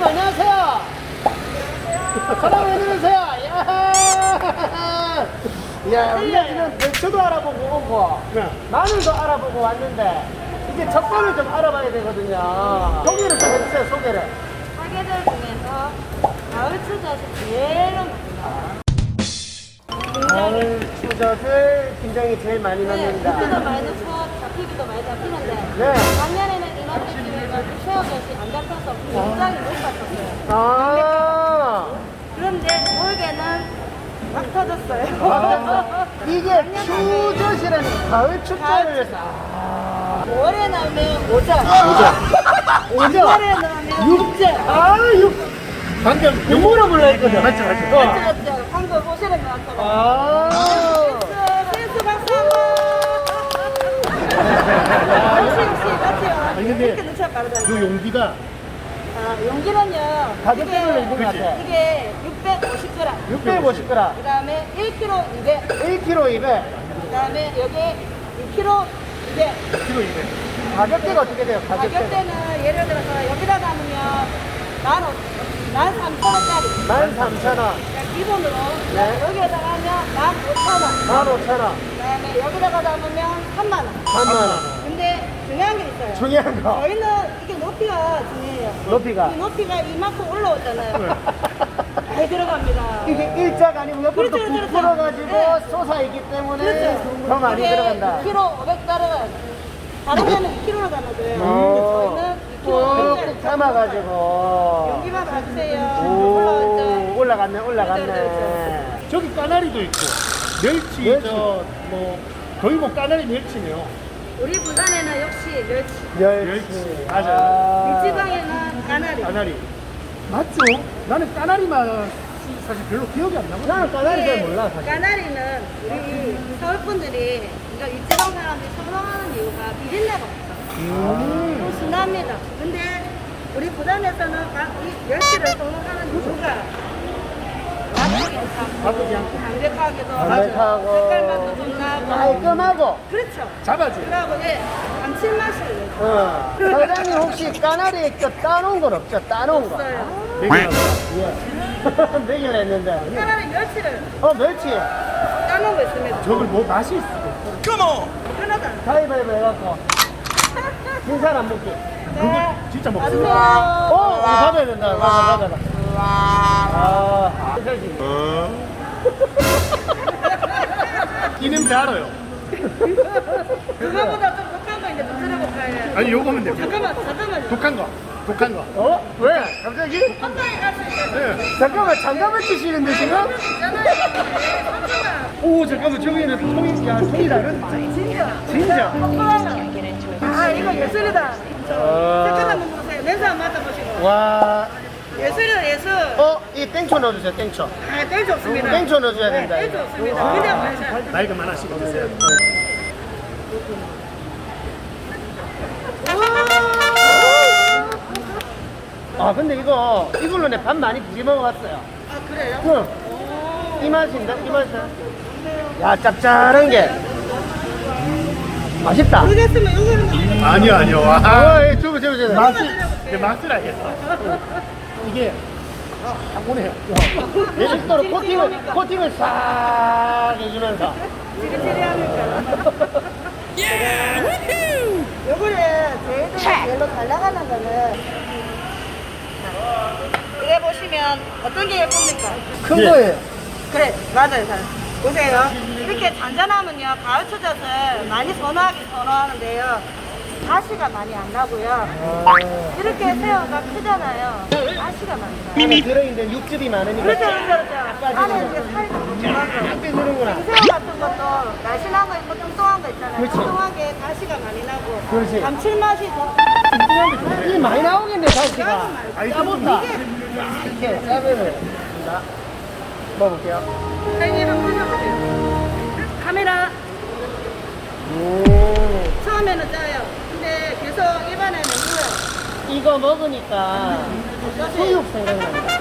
사장님 안녕하세요. 사장님 안녕하세요. 야, 우리가 지금 배추도 알아보고 오고 마늘도 알아보고 왔는데 이제 젓갈을 좀 알아봐야 되거든요. 소개를 좀 해주세요. 소개를. 가게들 중에서 가을 추젓이 제일 가을 추젓을 굉장히 제일 많이 넣는다. 고기도 많이 넣고 잡히기도 많이 잡히는데 네. 작년에는 이런 느낌으로 새우젓이 안 잡혀서 굉장히 못 잡혔어요. 아, 그런데 올해는 막 터졌어요. 이게 추젓이라는 가을 추젓을 올해 나오면 모자, 오죠? 올해 나오면 육자. 아, 방금 육모로 불러 했거든. 맞죠. 맞죠. 방금 보시는 것 같아요. 아. 센스 박수 역시 맞죠? 아니, 근데 이렇게 눈치가 빠르다. 그 용기가 용기는요. 가격대별로 있는 것 같아. 이게 650g. 650g. 그 다음에 1kg 200. 1kg 200. 그 다음에 여기 2kg 200. 1kg 200. 가격대가 어떻게 돼요? 가격대는 예를 들어서 여기다 담으면 13,000원짜리. 13,000원. 기본으로. 네. 여기에다가 하면 15,000원. 15,000원. 그 다음에 여기다가 담으면 3만원. 3만원. 근데 중요한 게 있어요. 중요한 거. 저희는 이게 높이가 중요해요. 높이가. 이 높이가 이만큼 올라오잖아요. 많이 들어갑니다. 이게 일자가 아니고 옆으로 또 그렇죠, 그렇죠. 부풀어가지고 네. 솟아있기 때문에 그렇죠. 더 많이 이게 들어간다. 2kg 500 따라가요. 다른 데는 2kg로 담아줘요. 오. 저희는 2kg 꾹꾹 500짜리 담아가지고. 여기만 봐주세요. 오, 올라왔죠? 올라갔네. 그렇죠. 저기 까나리도 있고 멸치, 멸치. 뭐 거의 뭐 까나리 멸치네요. 우리 부산에는 역시 멸치. 멸치. 맞아요. 일지방에는 까나리. 까나리 맞죠? 나는 까나리만 사실 별로 기억이 안 나거든요. 나는 까나리 잘 이게 몰라, 사실. 까나리는 우리 서울 분들이 이거 일지방 사람들이 선호하는 이유가 비린내가 없어. 좀 순합니다. 근데 우리 부산에서는 이 멸치를 선호하는 이유가 맛도 괜찮고 맛도 괜찮고. 담백하기도 담백하고 색깔맛도 좀 나고 깔끔하고. 그렇죠. 잡아줘. 그리고 감칠맛이 사장님 혹시 까나리 따놓은 건 없죠? 따놓은 거. 없어요. 매기라고. 예. 매길 했는데. 까나리 멸치를 멸치. 따놓은 거 있습니다. 저걸 뭐 맛이 있어. 하나도 안 가위바위보 해갖고. 진 사람 먹기. 네. 진짜 맞아요. 먹습니다. 이거 받아야 된다. 받아라. 아, 그렇지. 이 냄새 알아요. 그거보다 좀 독한 거 이제 좀 들어볼까요? 아니 요거면 됩니다. 잠깐만요. 독한 거. 왜? 갑자기? 한방에 갈 수 있어요. 네. 잠깐만, 장갑을 끼시는데 지금? 있잖아요. 삼촌아. 오 잠깐만 저기는 통이 다른. 진짜. 아 이거 예술이다. 색깔 한번 보세요. 냄새 한번 맡아보시고. 와. 예술이다 예술. 이 땡초 넣어주세요, 땡초. 아 땡초 없습니다. 땡초 넣어줘야 된다. 땡초 없습니다. 그냥 마셔. 나이가 많으시고 드세요. 근데 이걸로 내 밥 많이 부리 먹어봤어요. 아 그래요? 응. 이 맛인데? 이 맛이야. 야, 짭짤한 게. 맛있다. 모르겠으면 이거는 아니요. 저거. 맛이 내 맛을 알겠어. 이게 딱 오네요. 예술도로 코팅을 싹 해주면서. 지리지리하니까. 요거를 저희들이 별로 잘 나가는 거는 이래 보시면 어떤 게 예쁩니까? 큰 예. 거예요. 그래 맞아요 잘 보세요 이렇게 잔잔하면요 가을 추젓을 많이 선호하는데요 가시가 많이 안 나고요 이렇게 새우가 크잖아요 가시가 많이 나요 안에 들어있는 육즙이 많으니까. 그렇죠 빠지는 안에 이렇게 살이 좀 빼주는구나. 생새우 같은 것도 날씬한 거 있고 뚱뚱한 거 있잖아요 그렇지. 뚱뚱하게 가시가 많이 나고 그렇지. 감칠맛이 더 이 많이 나오겠네, 살치가. 짜보다 이렇게 짜면은. 자, 먹어볼게요. 사장님 한번 보셔보세요 카메라 처음에는 짜요 근데 계속 입안에는 물어요 이거 먹으니까 수육 생각난다.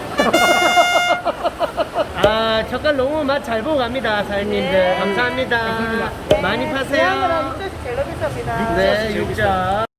젓갈 너무 맛 잘 보고 갑니다, 사장님들. 네. 감사합니다. 많이 대한민국 파세요. 육젓이 제일 비쌉니다 네, 육젓.